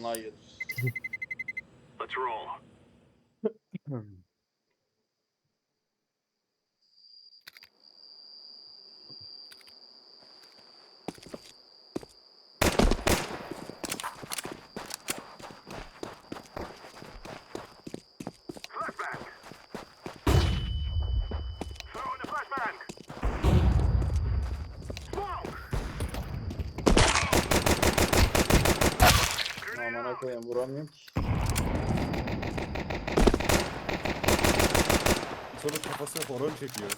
Hayır. Let's roll. Flashbang. Throwing the flashbang. Smoke. Amına koyayım vuramıyorum ki. Sonra kafasına horon çekiyor.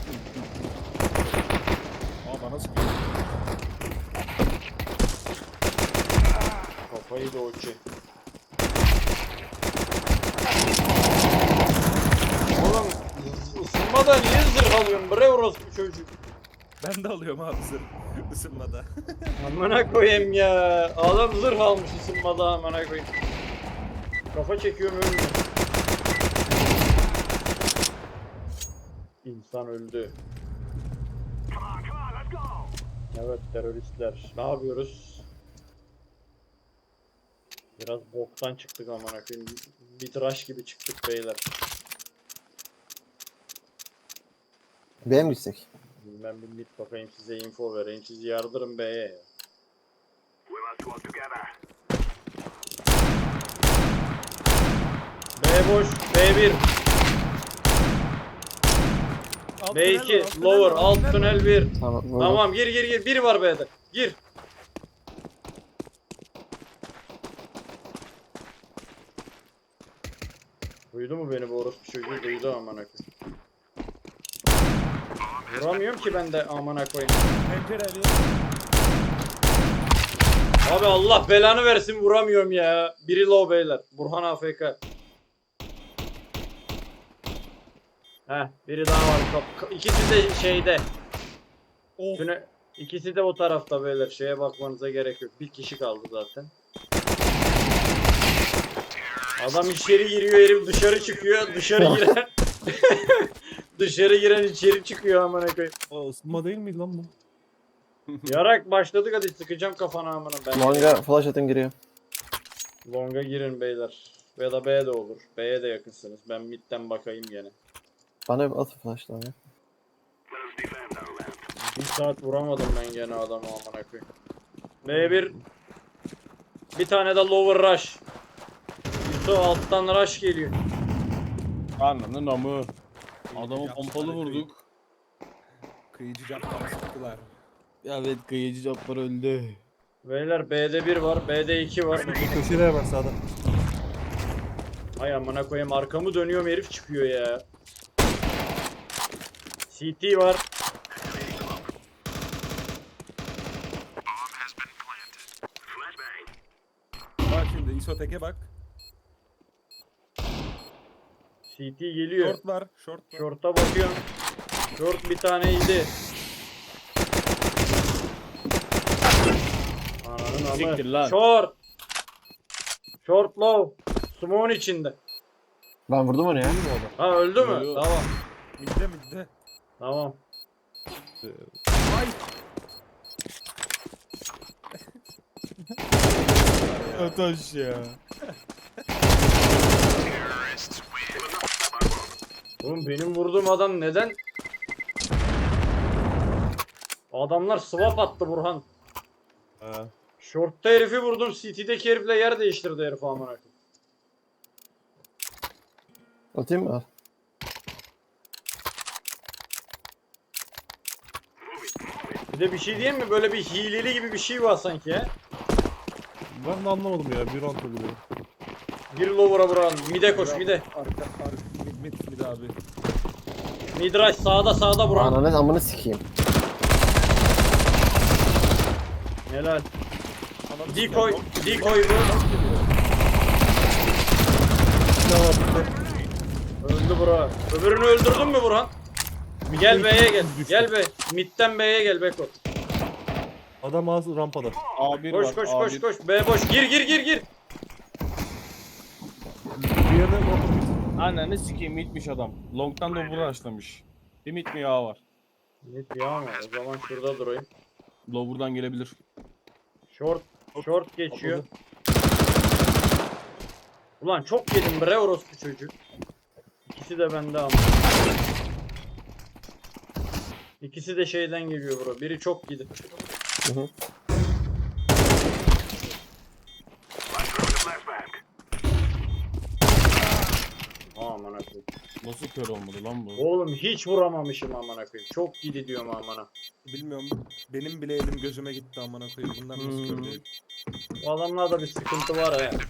Aa bana sıkıyor. Kafayı da okey. Oğlum ısınmada niye zırh alıyorsun bre orospu çocuk? Ben de alıyorum abi zırh ısınmada. Amına koyayım ya. Adam zırh almış ısınmada amına koyayım. Kafa çekiyorum ölmüyor. İnsan öldü. Come on, let's go. Evet teröristler. Ne yapıyoruz? Biraz boktan çıktık amına koyayım. Bir tıraş gibi çıktık beyler. B'ye mi gitsek? Ben bir mid bakayım size info vereyim. Siz yardırın B'ye ya. We must work together. B boş. B1. B2. Lower. Alt tünel 1. Tamam. vurdum. Tamam gir. Biri var B'de. Gir. Duydu mu beni bu orospu çocuğu? Duydu amına koyayım. Vuramıyorum ki ben de amına koyayım. Pencereli. Abi Allah belanı versin vuramıyorum ya. Biri low beyler. Burhan AFK. Heh biri daha var. İkisi de şeyde. Oh. İkisi de o tarafta beyler. Şeye bakmanıza gerek yok. Bir kişi kaldı zaten. Adam içeri giriyor, herif dışarı çıkıyor. Dışarı giren dışarı giren içeri çıkıyor amına koyayım. O ısınma değil miydi lan bu? Yarak başladık hadi sıkacağım kafana amına ben. Longa flash atın giriyor. Long'a girin beyler. Ya da B de olur. B'ye de yakınsınız. Ben midden bakayım gene. Bana bir at flash longa. Let us defend our land. Bir saat vuramadım ben gene adamı amına koyayım. B1 bir tane de lower rush. Yusuf alttan rush geliyor. Anladın amı. Adamı pompalı vurduk. Kıyıcı captan sıktılar. Ya evet kıyıcı caplar öldü. Beyler B'de 1 var, B'de 2 var. Köşelere bak sağda. Ay amına koyayım arkamı dönüyorum herif çıkıyor ya. CT var. Flashbang. Bak şimdi isotek'e bak. CT geliyor. Short var. Short var. Short'a bakıyorum. Short bir taneydi. Ananın Siktir amı. lan. Short. Short low. Smoke'un içinde. Ben vurdum onu ya. Ha öldü mü? Yo. Tamam. Midde. Tamam. Ay. Ataş ya. Oğlum benim vurduğum adam neden? Adamlar swap attı Burhan. Ha. Short'ta herifi vurdum. CT'deki herifle yer değiştirdi herif amına koyayım. Atayım mı? Al. Bir de bir şey diyeyim mi? Böyle bir hileli gibi bir şey var sanki ya. Ben de anlamadım ya. Bir round oluyor. Bir lower'a vuran. Mid'e koş mide. Arka mid abi. Midrash sağda Burhan. Ananı amını sikeyim. Helal. Decoy bu. Öldü bura. Öbürünü öldürdün mü Burhan? Gel B'ye gel. Gel B. Mid'den B'ye gel Beko. Adam az rampada. A1 Koş var. koş A1. koş koş. B boş. Gir. Bir yerde rampada. Ananı sikeyim mitmiş adam. Long'dan da vura açlamış. Bir mit mi ya var? Mid ya mı? O zaman şurada durayım. Lower'dan gelebilir. Short geçiyor. Atladı. Ulan çok yedim bre orospu çocuk. İkisi de bende ama. İkisi de şeyden geliyor bro. Biri çok yedi. Hı hı. Let's throw the flashbang. Aman akıyım. Nasıl kör olmadı lan bu? Oğlum hiç vuramamışım aman akıyım. Çok yedi diyorum amana. Bilmiyorum. Benim bile elim gözüme gitti amına koyayım. Bunlar nasıl kör değil? Bu adamlarda bir sıkıntı var ha.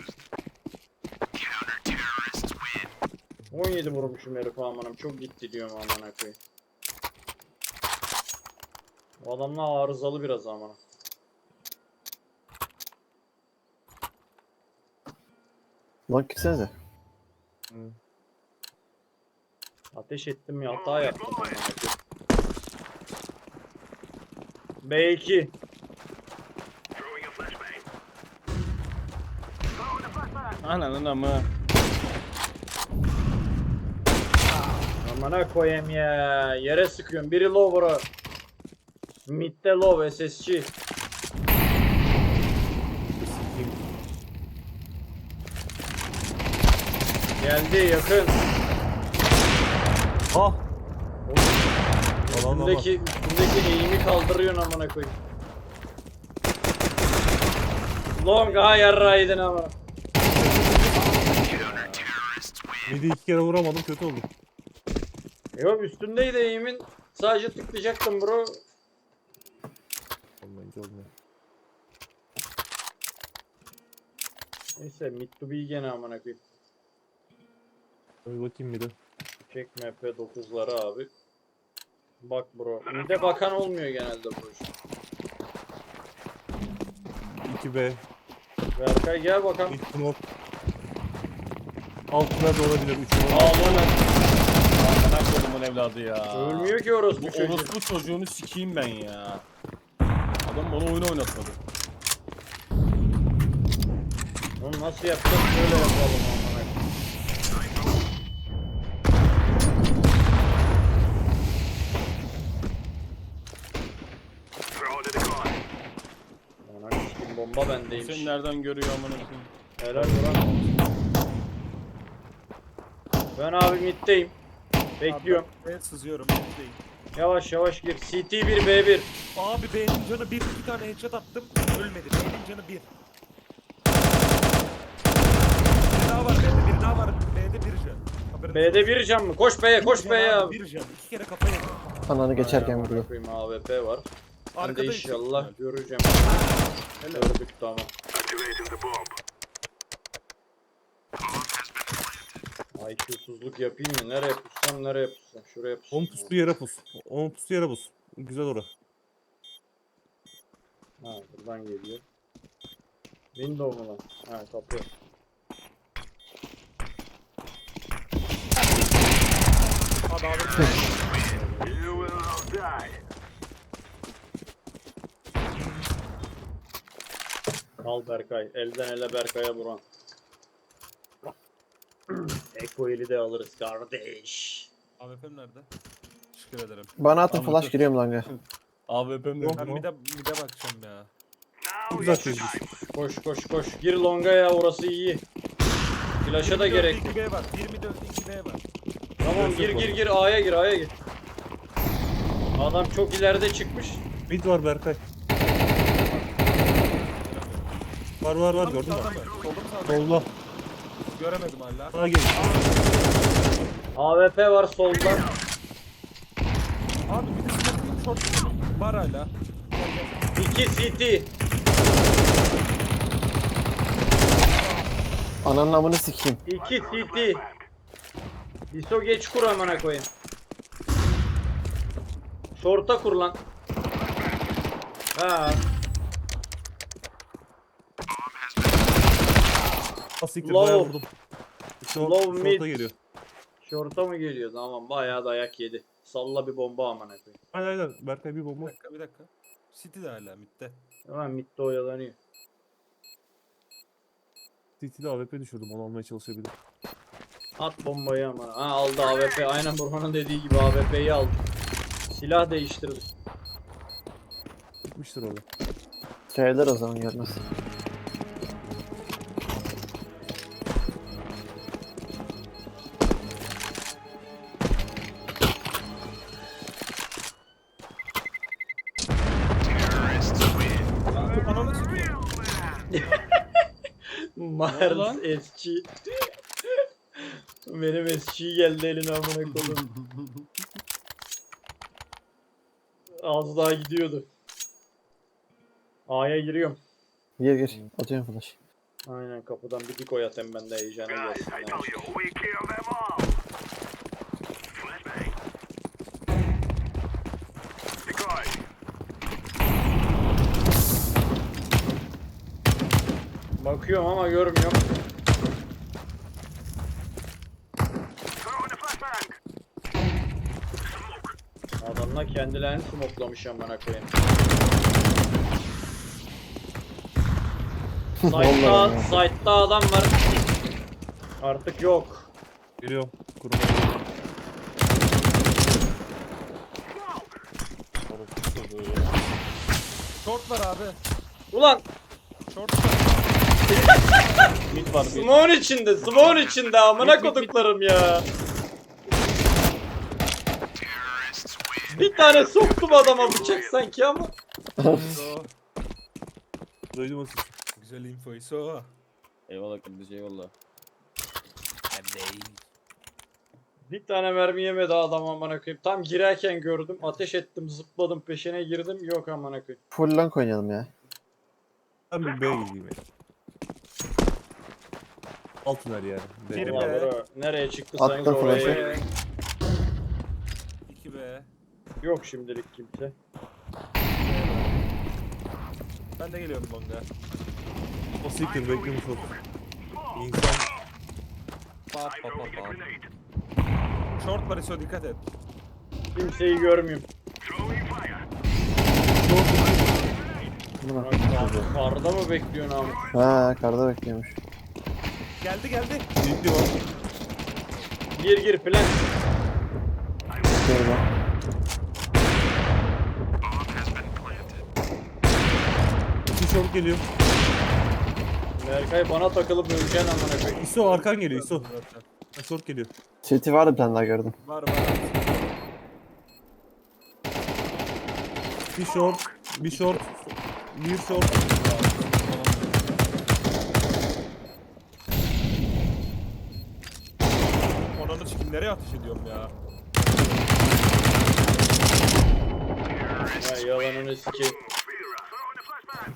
17 vurmuşum herif amanım. Çok gitti diyorum amana koyayım. Bu adamlar arızalı biraz amana. Lan gitsenize. Ateş ettim ya hata yaptım amana koyayım. B2. Throwing a flashbang. Throwing the flashbang. Ananın amı. Amana koyayım ya. Yere sıkıyorum. Biri low bro. Mid'de low SSG. Sikeyim. Geldi yakın. Ah! Alan ama. Üstündeki eğimi kaldırıyorsun amına koyayım. Long ha yarraydın ama. Midi 2 kere vuramadım, kötü oldu. Yok üstündeydi eğimin. Sadece tıklayacaktım bro. Olmayınca olmuyor. Neyse mid to be gene amına koyayım. Bir bakayım midi. Çek MP9'ları abi. Bak bro. Mid'e bakan olmuyor genelde bro. 2B. Berkay gel bakalım. İlk smoke. Altına da olabilir. 3 Aa lan. Amına kodumun evladı ya. Ölmüyor ki orospu Bu çocuğu. orospu çocuğunu sikeyim ben ya. Adam bana oyunu oynatmadı. Onu nasıl yapacağız? Şöyle yapalım amına koyayım. Throw the decoy. Amına koyayım bomba bendeymiş. Seni nereden görüyor amına koyayım? Helal Burak. Ben abi middeyim. Bekliyorum. Ben sızıyorum. Middeyim. Yavaş yavaş gir. CT1 B1. Abi B'nin canı 1. 2 tane headshot attım. Ölmedi. B'nin canı 1. Bir daha var B'de. Bir daha var. B'de 1 can. Haberin B'de bir can mı? Koş B'ye, koş olsun. B'ye abi. 1 can. 2 kere kafaya yedim. Ananı geçerken Aynen, vuruyor. bakayım, AWP var. Ben de Arkada inşallah göreceğim. Gördük tamam. Activating the bomb. IQ'suzluk yapayım mı? Nereye pussam, nereye pussam? Şuraya pussam. 10 puslu yere pus. 10 puslu yere pus. Güzel ora. Ha buradan geliyor. Window mu lan? Ha kapı. Abi abi. You will all die. Al Berkay. Elden ele Berkay'a vuran. Eko eli de alırız kardeş. AWP'm nerede? Teşekkür ederim. Bana atın Anladım. flash giriyorum langa. AWP'm de. Ben bir de bakacağım ya. Now Güzel is the çizmiş. time. Koş koş koş. Gir longa ya orası iyi. Flash'a da gerek yok. 2B var. 24 2B var. Tamam gir gir gir A'ya gir A'ya gir. Adam çok ileride çıkmış. Mid var Berkay. Var gördün mü? Solda. Göremedim hala. Sağa gel. AWP var solda. Abi bir de smoke'un short var hala. 2 CT. Ananın amını sikeyim. 2 CT. Diso geç kur amına koyayım. Short'a kur lan. Ha. Asiktir Low. bayağı vurdum. Low mid. Short'a geliyor. Short'a mı geliyor? Tamam bayağı dayak yedi. Salla bir bomba amına koyayım. Aynen Berkay bir Bir bomba. dakika bir dakika. City de hala midde. Tamam midde oyalanıyor. CT'de AWP düşürdüm, onu almaya çalışabilir. At bombayı ama. Ha aldı AWP. Aynen Burhan'ın dediği gibi AWP'yi aldı. Silah değiştirdi. Gitmiştir orada. Şeyler o zaman görmez. Miles lan? SG. Benim SG geldi eline amına koydum. Az daha gidiyordu. A'ya giriyorum. Gir. Atıyorum flash. Aynen kapıdan bir dik oyatayım ben de heyecana Guys, gelsin. I told you, we kill them all. Flashbang. Decoy. Bakıyorum ama görmüyorum. Throw in the flashbang. Adamlar kendilerini smoklamış amına koyayım. Site'da, Vallahi. site'da adam var. Artık yok. Geliyorum. Kuruma. Short var abi. Ulan Short var. Mid var bir. smoke'un içinde, smoke'un içinde amına koduklarım ya. Bir tane soktum adama bıçak sanki ama. So, Duydum o sesi. güzel info. So. Eyvallah kardeşim eyvallah. Bir tane mermi yemedi adam amına koyayım. Tam girerken gördüm, ateş ettim, zıpladım, peşine girdim. Yok amına koyayım. Full long oynayalım ya. Ben bir B'ye gideyim. Altın her yani. Biri Vallahi be. bro, nereye çıktıysanız Attım oraya. flash'ı. 2B. Yok şimdilik kimse. Ben de geliyorum longa. O siktir beklemiş olsun. İnsan Pat pat pat pat. Short var ISO, dikkat et. Kimseyi görmüyorum. Throwing fire. Buna. Karda mı bekliyorsun abi? Ha karda bekliyormuş. Geldi geldi. ciddi var. Gir plan. Şöyle. İki short geliyor. Berkay bana takılıp öleceksin amına koyayım. İso arkan geliyor İso. Zaten. Short geliyor. City vardı bir tane daha gördüm. Var. Bir short. Bir short. Bir short. Onanı çıkayım, nereye ateş ediyorum ya? Ya yalanını sikeyim. Throw in the flashbang.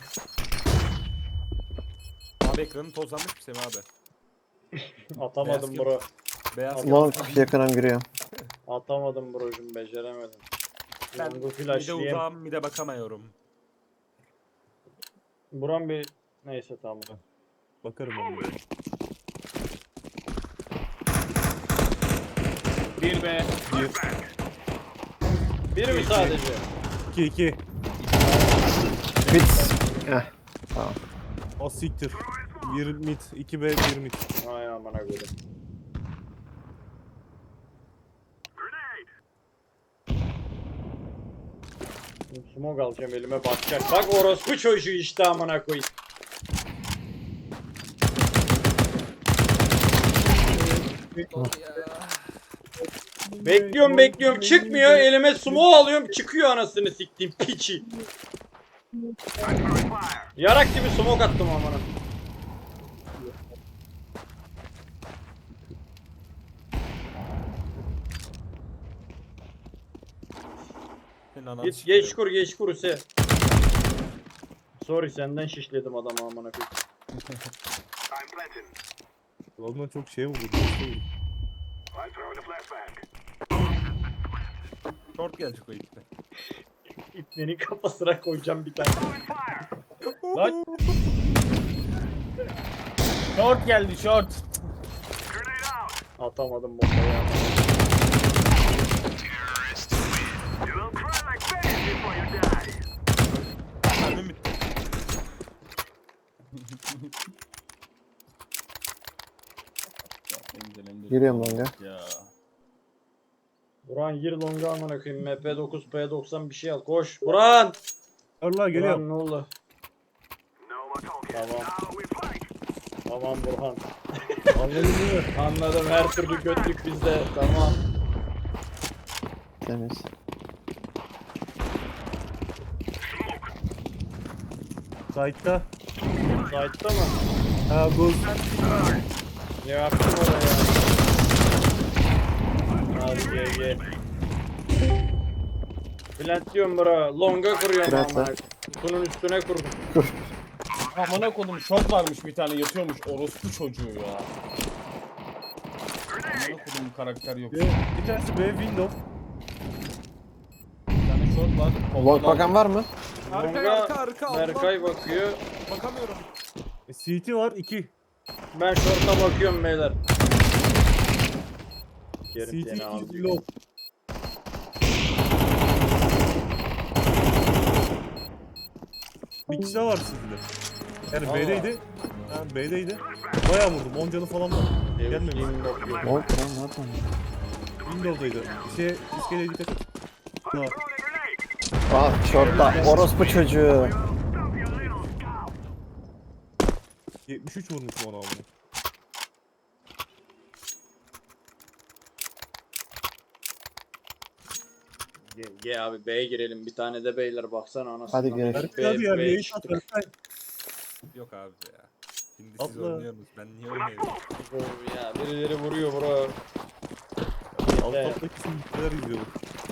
Abi ekranın tozlanmış mı Semih abi? Atamadım Beyaz bro. Beyaz Long kağıt. yakınım giriyor. Atamadım brocum beceremedim. Ben Ben bu mide flashlayayım. uzağım, mide bakamıyorum. Buram bir neyse tamam. Bakarım onu. Bir be. Biri mi sadece? 2-2. Bit. Heh. Tamam. O siktir. Bir mid. 2B bir mid. Ay amına koydum. Grenade. Smoke alacağım elime bakacak. Bak orospu çocuğu işte amına koyayım. Bekliyorum çıkmıyor elime smoke alıyorum çıkıyor anasını siktiğim piçi. Throwing fire. Yarak gibi smoke attım amına. Senin ananı Geç sikeyim. geç kur Hüse. Sorry senden şişledim adamı amına koyayım. I'm planting. Ondan çok şey vurdu. I'm throwing the flashbang. Short gelecek o ipte. İpnenin kafasına koyacağım bir tane. Throwing fire. Lan. Short geldi short. Grenade out. Atamadım bombayı ama. You will cry like babies before you die. Mermim bitti. Giriyorum longa. Ya. Buran gir longa amına koyayım. MP9 P90 bir şey al. Koş. Buran. Allah geliyor. Buran ne oldu? No more talking. Tamam. Now we fight. Tamam Burhan. Anladın mı? Anladım her türlü götlük bizde. Tamam. Temiz. Side'da. Site'da mı? Ha bu Ne yaptım oraya? Hadi GG. Plant diyorum bura. Longa kuruyorum Plant ama. lan. Kutunun üstüne kurdum. Amına koydum short varmış bir tane yatıyormuş orospu çocuğu ya. Amına koydum karakter yok. bir tanesi B window. Bir tane short var. Long bakan var mı? Arka Allah. Berkay bakıyor. Bakamıyorum. CT var 2. Ben şorta bakıyorum beyler. Yerim CT seni 2 abi. low. Bir kişi daha var CT'de. Yani Allah. B'deydi. Ha B'deydi. Bayağı vurdum. 10 canı falan var. Gelmemiş. Bakıyorum. Long lan nereden? Windows'daydı. İskeleye dikkat et. Ha. Ah short'ta. Orospu çocuğu. 73 vurmuşum ona abi. G abi B'ye girelim. Bir tane de beyler baksana anasını. Hadi girelim. Hadi ya bir B ace at Berkay. Yok abi ya. Şimdi siz Atla. oynuyorsunuz. Ben niye oynayayım? Ya birileri vuruyor bura. Alt alttaki simlikler izliyorum.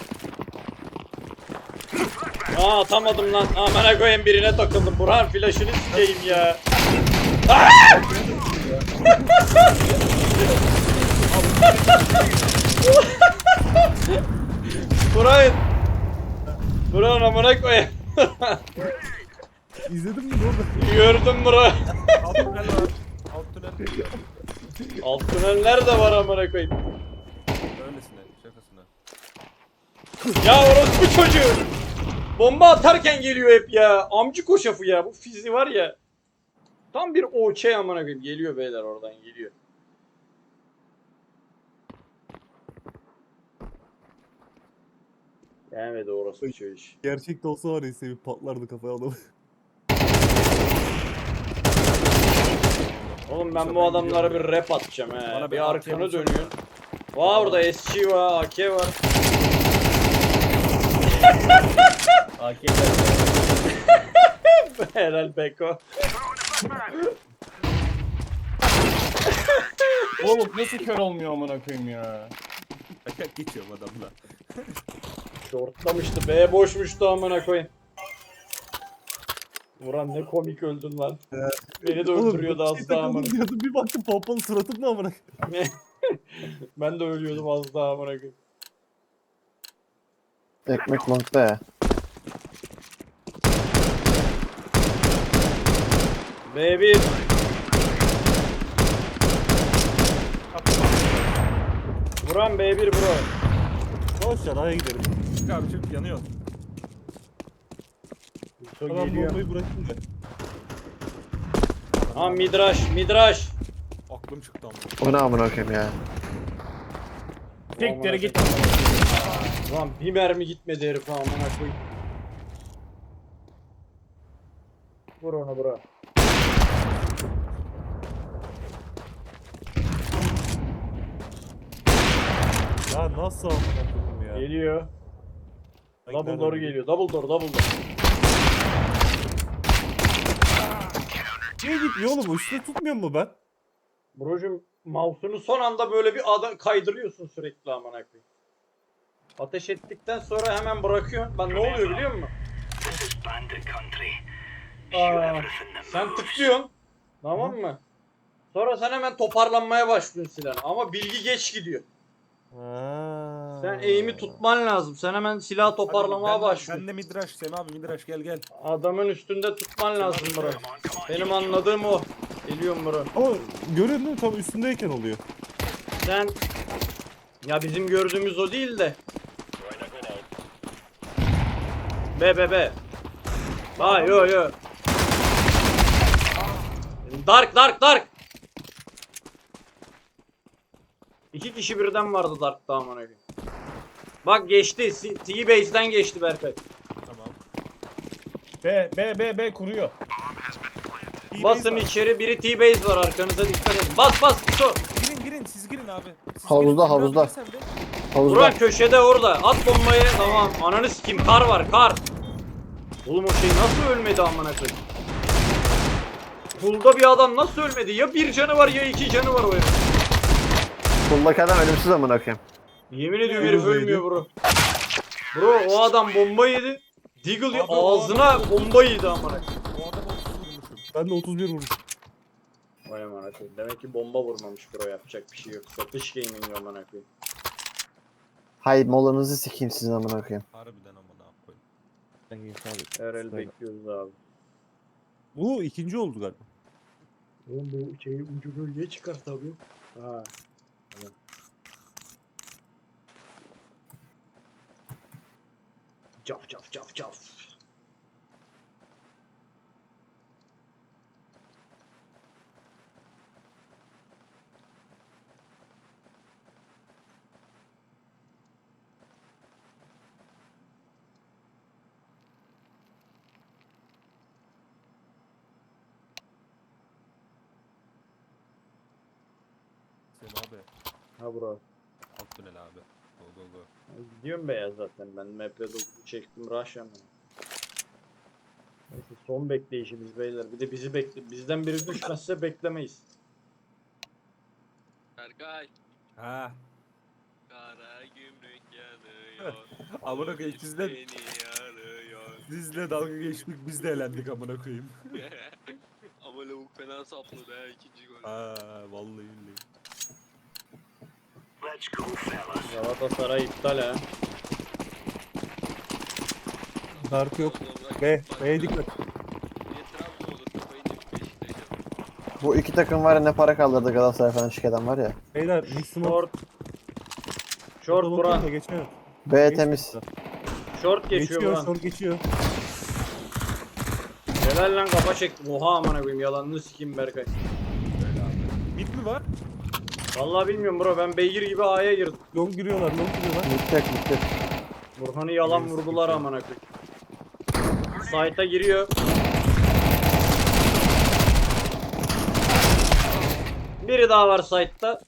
Aa atamadım lan. Amına koyayım birine takıldım. Burhan flaşını sikeyim ya. Burhan. Burhan amına koyayım. İzledin mi orada? Gördüm Burhan. Alt tünel var. Alt tünel. Alt tüneller de var amına koyayım. Öylesine. Şakasına. Ya orospu çocuğu. Bomba atarken geliyor hep ya. Amcık koşafı ya. Bu fizi var ya. Tam bir OÇ amına koyayım. Geliyor beyler oradan geliyor. Gelmedi orospu çocuğu iş. Gerçekte olsa var ya sevip patlardı kafaya adamı. Oğlum ben bu adamlara bir rap atacağım he. Bana bir Bir AK arkanı bulsana. dönüyorsun. Vay orada SG var, AK var. AK'ler. Helal Beko. Oğlum nasıl kör olmuyor amına koyayım ya. Ayak geçiyorum adamla. Şortlamıştı. B boşmuştu amına koyayım. Vuran ne komik öldün lan. Beni de öldürüyordu az daha amına. Diyordum, bir baktım pompalı suratımda amına. Ben de ölüyordum az daha amına koyayım. Ekmek long'da ya. B1. Vuran B1 bro. Boş ver aya gidelim. Çık abi çık yanıyor. Çok Adam geliyor. bombayı bırakın da. Ha midraş. Aklım çıktı ama. O ne amına koyayım ya. Siktir git. Lan bir mermi gitmedi herif amına koyayım. Vur onu bro. Ya nasıl amına koyayım ya. Geliyor. Ay, Double nereden door geliyor? geliyor. Double door. Niye gitmiyor oğlum? Üstüne tutmuyor mu ben? Brocum mouse'unu son anda böyle bir kaydırıyorsun sürekli amına koyayım. Ateş ettikten sonra hemen bırakıyorsun. Ben ne oluyor biliyor musun? Aa, sen tıklıyorsun. Tamam mı? Sonra sen hemen toparlanmaya başlıyorsun silahına. Ama bilgi geç gidiyor. Sen aim'i tutman lazım. Sen hemen silah toparlamaya başlıyorsun. Ben de midrash. Semi abi midrash gel gel. Adamın üstünde tutman lazım bro. Benim anladığım o. Geliyorum bro. Ama görüyorsun değil mi? Tam üstündeyken oluyor. Sen ya bizim gördüğümüz o değil de. Be. Ha yo. Dark. İki kişi birden vardı Dark'ta amına koyayım. Bak geçti. T-Base'den geçti Berkay. Tamam. B kuruyor. Basın içeri biri T-Base var arkanıza dikkat edin. Bas Kutu. Girin siz girin abi. Siz Havuzda, girin. havuzda. Sen de. Havuzda. Burak köşede orada. At bombayı. Tamam. Ananı sikeyim. Kar var. Oğlum o şey nasıl ölmedi amına koyayım? Pool'da bir adam nasıl ölmedi? Ya bir canı var ya iki canı var o herif. Buldaki adam ölümsüz amına koyayım. Yemin ediyorum herif ölmüyor bro. Bro o adam bomba yedi. Deagle Abi, o ağzına bomba yedi amına. O adama 30 vurmuşum. Ben de 31 vurmuşum. Vay amına koyayım. Demek ki bomba vurmamış bro, yapacak bir şey yok. Satış gaming amına koyayım. Hay molanızı sikeyim sizin amına koyayım. Harbiden amına koyayım. Ben geç abi. Her el bekliyoruz abi. Bu ikinci oldu galiba. Oğlum bu şeyi ucu bölgeye çıkar tabii. Ha. Tamam. Caf caf caf caf. Semi abi. Ha bro. Alt tünel abi. Go go go. Gidiyorum beyaz zaten ben. MP9'u çektim rush hemen. Neyse son bekleyişimiz beyler. Bir de bizi bekle. Bizden biri düşmezse beklemeyiz. Berkay. Ha. Kara gümrük yanıyor. Amına koyayım sizle, Beni yarıyor. sizle dalga geçtik biz de elendik amına koyayım. Ama lavuk fena sapladı ha ikinci gol. Ha vallahi billahi. Let's go, fellas. Galatasaray iptal ha. Dark yok. B'ye dikkat. Niye Trabzon olur? Kafayı yemiş Beşiktaş'a. Bu iki takım var ya, ne para kaldırdı Galatasaray falan şirketten var ya. Beyler mix smoke. Short. Short Buran. Geçiyor. B temiz. Short geçiyor Geçiyor, Buran. short geçiyor. Helal lan, kafa çektim. Oha amına koyayım, yalanını sikeyim Berkay. Mid mi var? Vallahi bilmiyorum bro, ben beygir gibi A'ya girdim. Long giriyorlar. Bitti. Burhan'ı yalan vurdular amına koyayım. Site'a giriyor. Biri daha var site'ta.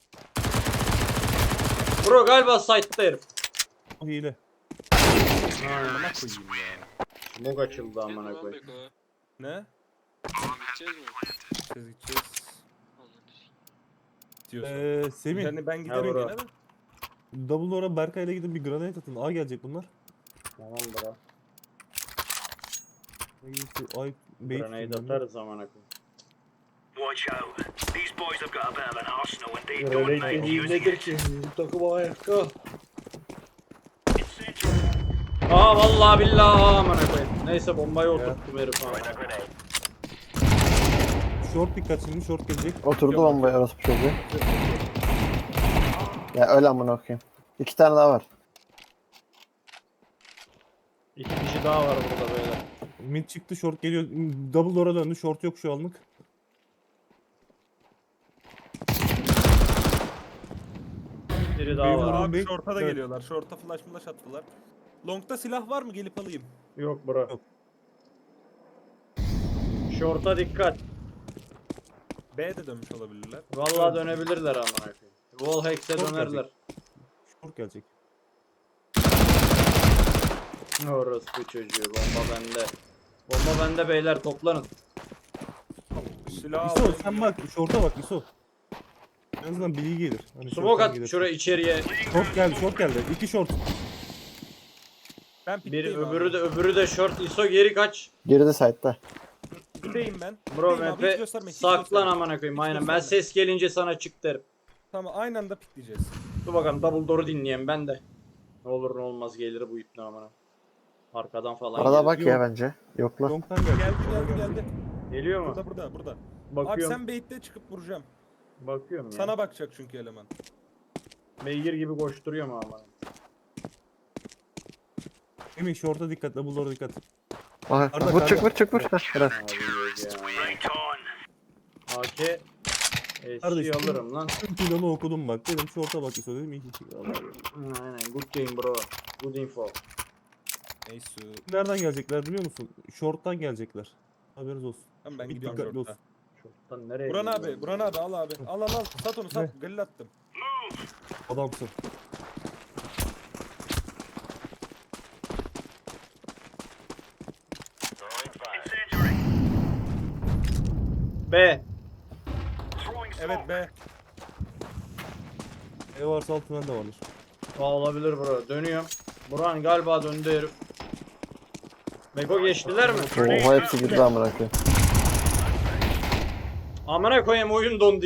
Bro galiba site'ta herif. O hile. Amına koyayım ya. Smoke açıldı amına koyayım. Ne? Gideceğiz mi? Gideceğiz gideceğiz. Diyorsun. Semih. Yani ben Ha, giderim bro. gene de. Double Door'a Berkay'la gidin bir granate atın. A gelecek bunlar. Tamam bro. Ay bait Grenade tutun atarız amına koyayım. Watch out. These boys have got a bit of an arsenal and they don't Grenade mind dediğin using nedir it. ki? Takım ayakta. Incendiary. Aa vallahi billahi amına koyayım. Neyse bombayı oturttum herif amına. Short dikkat şimdi, short gelecek. Oturdu bombaya orospu çocuğu. Ya öyle amına koyayım. İki tane daha var. İki kişi daha var burada böyle. Mid çıktı, short geliyor. Double Door'a döndü, short yok şu anlık. Biri daha Benim var. vurduğum Abi bait- short'a da Evet. geliyorlar. Short'a flash attılar. Long'da silah var mı? Gelip alayım. Yok bro. Yok. Short'a dikkat. B'de dönmüş olabilirler. Vallahi dönebilirler amına koyayım. Wallhacks'e Short dönerler. Short gelecek. Orospu çocuğu, bomba bende. Bomba bende beyler, toplanın. Silah İso alayım. sen bak, short'a bak İso. En azından bilgi gelir. Hani Smoke short'tan at gelir. şuraya içeriye. Short geldi. İki short. Ben Bir pikteyim öbürü de short. ISO geri kaç. Geride site'da. Pikteyim ben. Bro Pikteyim abi, hiç MP gösterme, hiç saklan gösterme. amına koyayım. Hiç Aynen ben gösterme. ses gelince sana çık derim. Tamam aynı anda pikleyeceğiz. Dur bakalım double door'u dinleyen ben de. Ne olur ne olmaz gelir bu ipne amına. Arkadan falan Arada gelir. bak ya bence. Yokla. Long'tan geldi. Geldi. Geliyor mu? Burada. Abi Bakıyorum. sen bait'te çıkıp vuracağım. Bakıyorum ya. Sana bakacak çünkü eleman. Beygir gibi koşturuyor mu ama? Semih short'a dikkat, double door'a dikkat. Aha, Arda, vur çık Arda. vur çık vur. Heh, bırak. Abi yok ya. Right on. AK Kardeşim. alırım lan. Tüm planı okudum bak. Dedim short'a bak İso dedim. İyi ki. Aynen good game bro. Good info. Neyse. Nereden gelecekler biliyor musun? Short'tan gelecekler. Haberiniz olsun. Tamam ben Bir gidiyorum dikkatli short'a. olsun. Şorttan nereye Buran gidiyorsun? abi, Buran abi al abi. Al. Sat onu sat. Ne? Galil attım. Adamsın. Incendiary. B. Evet be. E varsa alt tünel de vardır. Aa, olabilir bro. Dönüyorum. Burhan galiba döndü herif. Beko geçtiler mi? Oha hepsi girdi amına koyayım. Amına koyayım oyun dondu.